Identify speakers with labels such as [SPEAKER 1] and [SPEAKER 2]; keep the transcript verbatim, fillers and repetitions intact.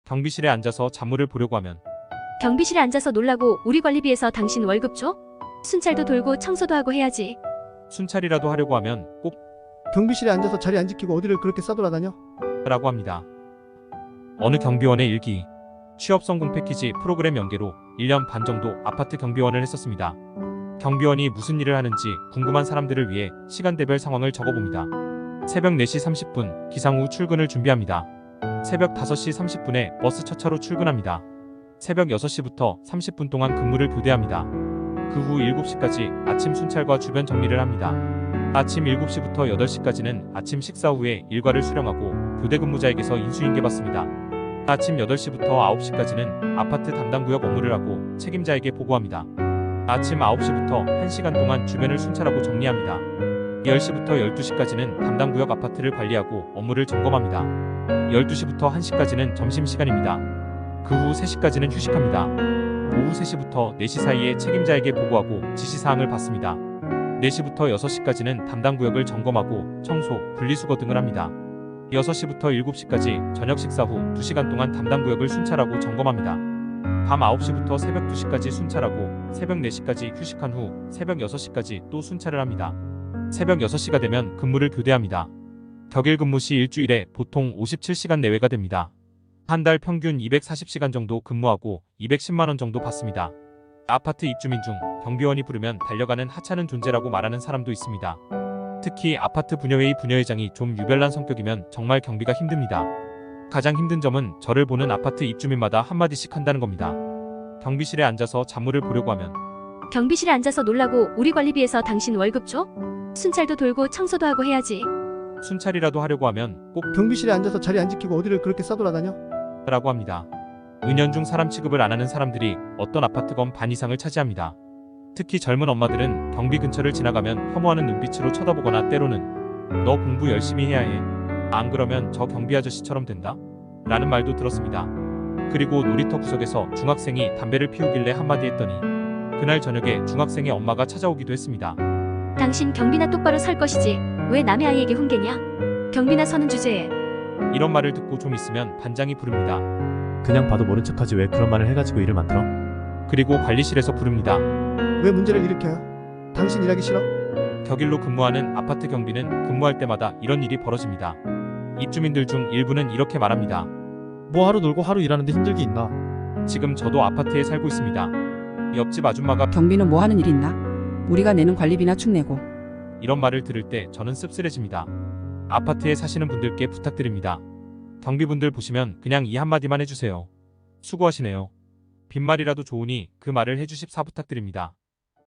[SPEAKER 1] 경비실에 앉아서 잡물을 보려고 하면
[SPEAKER 2] 경비실에 앉아서 놀라고 우리 관리비에서 당신 월급 줘? 순찰도 돌고 청소도 하고 해야지.
[SPEAKER 1] 순찰이라도 하려고 하면 꼭
[SPEAKER 3] 경비실에 앉아서 자리 안 지키고 어디를 그렇게 싸돌아다녀?
[SPEAKER 1] 라고 합니다. 어느 경비원의 일기. 취업 성공 패키지 프로그램 연계로 일 년 반 정도 아파트 경비원을 했었습니다. 경비원이 무슨 일을 하는지 궁금한 사람들을 위해 시간대별 상황을 적어봅니다. 새벽 네 시 삼십 분 기상 후 출근을 준비합니다. 새벽 다섯 시 삼십 분에 버스 첫 차로 출근합니다. 새벽 여섯 시부터 삼십 분 동안 근무를 교대합니다. 그 후 일곱 시까지 아침 순찰과 주변 정리를 합니다. 아침 일곱 시부터 여덟 시까지는 아침 식사 후에 일과를 수령하고 교대 근무자에게서 인수인계 받습니다. 아침 여덟 시부터 아홉 시까지는 아파트 담당 구역 업무를 하고 책임자에게 보고합니다. 아침 아홉 시부터 한 시간 동안 주변을 순찰하고 정리합니다. 열 시부터 열두 시까지는 담당 구역 아파트를 관리하고 업무를 점검합니다. 열두 시부터 한 시까지는 점심시간입니다. 그 후 세 시까지는 휴식합니다. 오후 세 시부터 네 시 사이에 책임자에게 보고하고 지시사항을 받습니다. 네 시부터 여섯 시까지는 담당 구역을 점검하고 청소, 분리수거 등을 합니다. 여섯 시부터 일곱 시까지 저녁 식사 후 두 시간 동안 담당 구역을 순찰하고 점검합니다. 밤 아홉 시부터 새벽 두 시까지 순찰하고 새벽 네 시까지 휴식한 후 새벽 여섯 시까지 또 순찰을 합니다. 새벽 여섯 시가 되면 근무를 교대합니다. 격일 근무 시 일주일에 보통 오십칠 시간 내외가 됩니다. 한 달 평균 이백사십 시간 정도 근무하고 이백십만 원 정도 받습니다. 아파트 입주민 중 경비원이 부르면 달려가는 하찮은 존재라고 말하는 사람도 있습니다. 특히 아파트 분여회의 분여회장이 좀 유별난 성격이면 정말 경비가 힘듭니다. 가장 힘든 점은 저를 보는 아파트 입주민마다 한마디씩 한다는 겁니다. 경비실에 앉아서 잡물을 보려고 하면
[SPEAKER 2] 경비실에 앉아서 놀라고 우리 관리비에서 당신 월급 줘? 순찰도 돌고 청소도 하고 해야지.
[SPEAKER 1] 순찰이라도 하려고 하면 꼭
[SPEAKER 3] 경비실에 앉아서 자리 안 지키고 어디를 그렇게 싸돌아다녀?
[SPEAKER 1] 라고 합니다. 은연중 사람 취급을 안 하는 사람들이 어떤 아파트건 반 이상을 차지합니다. 특히 젊은 엄마들은 경비 근처를 지나가면 혐오하는 눈빛으로 쳐다보거나 때로는 너 공부 열심히 해야 해. 안 그러면 저 경비 아저씨처럼 된다? 라는 말도 들었습니다. 그리고 놀이터 구석에서 중학생이 담배를 피우길래 한마디 했더니 그날 저녁에 중학생의 엄마가 찾아오기도 했습니다.
[SPEAKER 2] 당신 경비나 똑바로 설 것이지 왜 남의 아이에게 훈계냐? 경비나 서는 주제에.
[SPEAKER 1] 이런 말을 듣고 좀 있으면 반장이 부릅니다.
[SPEAKER 4] 그냥 봐도 모른 척하지 왜 그런 말을 해가지고 일을 만들어?
[SPEAKER 1] 그리고 관리실에서 부릅니다.
[SPEAKER 3] 왜 문제를 일으켜요? 당신 일하기 싫어?
[SPEAKER 1] 격일로 근무하는 아파트 경비는 근무할 때마다 이런 일이 벌어집니다. 입주민들 중 일부는 이렇게 말합니다.
[SPEAKER 4] 뭐 하루 놀고 하루 일하는데 힘들기 있나?
[SPEAKER 1] 지금 저도 아파트에 살고 있습니다. 옆집 아줌마가
[SPEAKER 5] 경비는 뭐 하는 일 있나? 우리가 내는 관리비나 축 내고.
[SPEAKER 1] 이런 말을 들을 때 저는 씁쓸해집니다. 아파트에 사시는 분들께 부탁드립니다. 경비분들 보시면 그냥 이 한마디만 해주세요. 수고하시네요. 빈말이라도 좋으니 그 말을 해주십사 부탁드립니다.